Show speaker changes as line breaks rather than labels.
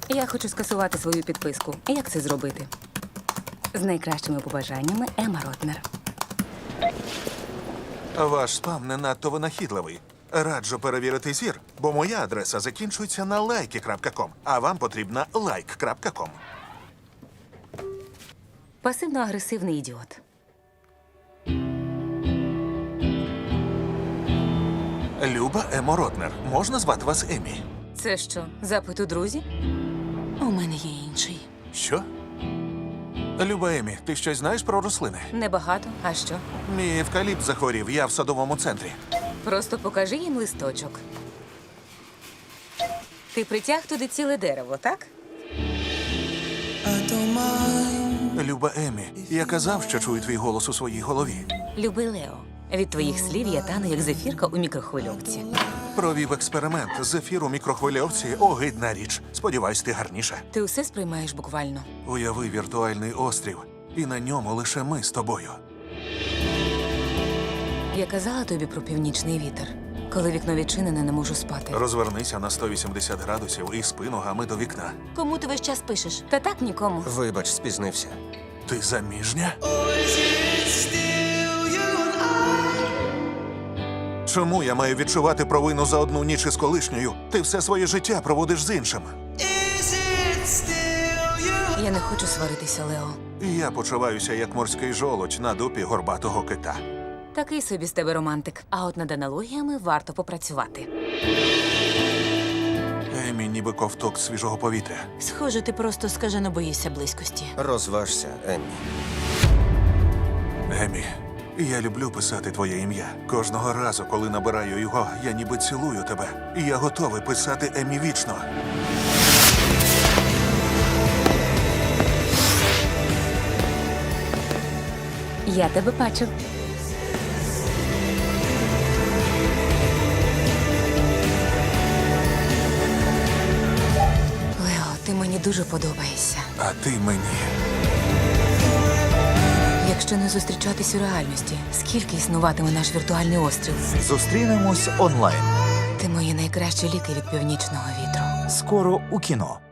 Я хочу скасувати свою підписку. Як це зробити? З найкращими побажаннями, Ема Ротнер.
Ваш спам не надто винахідливий. Раджу перевірити зір, бо моя адреса закінчується на like.com, а вам потрібна like.com.
Пасивно-агресивний ідіот.
Люба Емо Ротнер. Можна звати вас Емі?
Це що, запит у друзі? У мене є інший.
Що? Люба Емі, ти щось знаєш про рослини?
Небагато. А що?
Мій евкаліпт захворів, я в садовому центрі.
Просто покажи їм листочок. Ти притяг туди ціле дерево, так?
Люба Емі, я казав, що чую твій голос у своїй голові.
Люби Лео. Від твоїх слів я тану, як зефірка у мікрохвильовці.
Провів експеримент. Зефір у мікрохвильовці – огидна річ. Сподіваюсь, ти гарніша.
Ти усе сприймаєш буквально.
Уяви віртуальний острів, і на ньому лише ми з тобою.
Я казала тобі про північний вітер. Коли вікно відчинене, не можу спати.
Розвернися на 180 градусів і спи ногами до вікна.
Кому ти весь час пишеш? Та так нікому.
Вибач, спізнився.
Ти заміжня? Чому я маю відчувати провину за одну ніч із колишньою? Ти все своє життя проводиш з іншим.
Я не хочу сваритися, Лео.
Я почуваюся як морський жолудь на дупі горбатого кита.
Такий собі з тебе романтик. А от над аналогіями варто попрацювати.
Емі ніби ковток свіжого повітря.
Схоже, ти просто скажено боїшся близькості.
Розважся, Еммі.
Емі, я люблю писати твоє ім'я. Кожного разу, коли набираю його, я ніби цілую тебе. І я готовий писати Емі вічно.
Я тебе бачу. Лео, ти мені дуже подобаєшся.
А ти мені.
Якщо не зустрічатись у реальності, скільки існуватиме наш віртуальний острів?
Зустрінемось онлайн.
Ти мої найкращі ліки від північного вітру.
Скоро у кіно.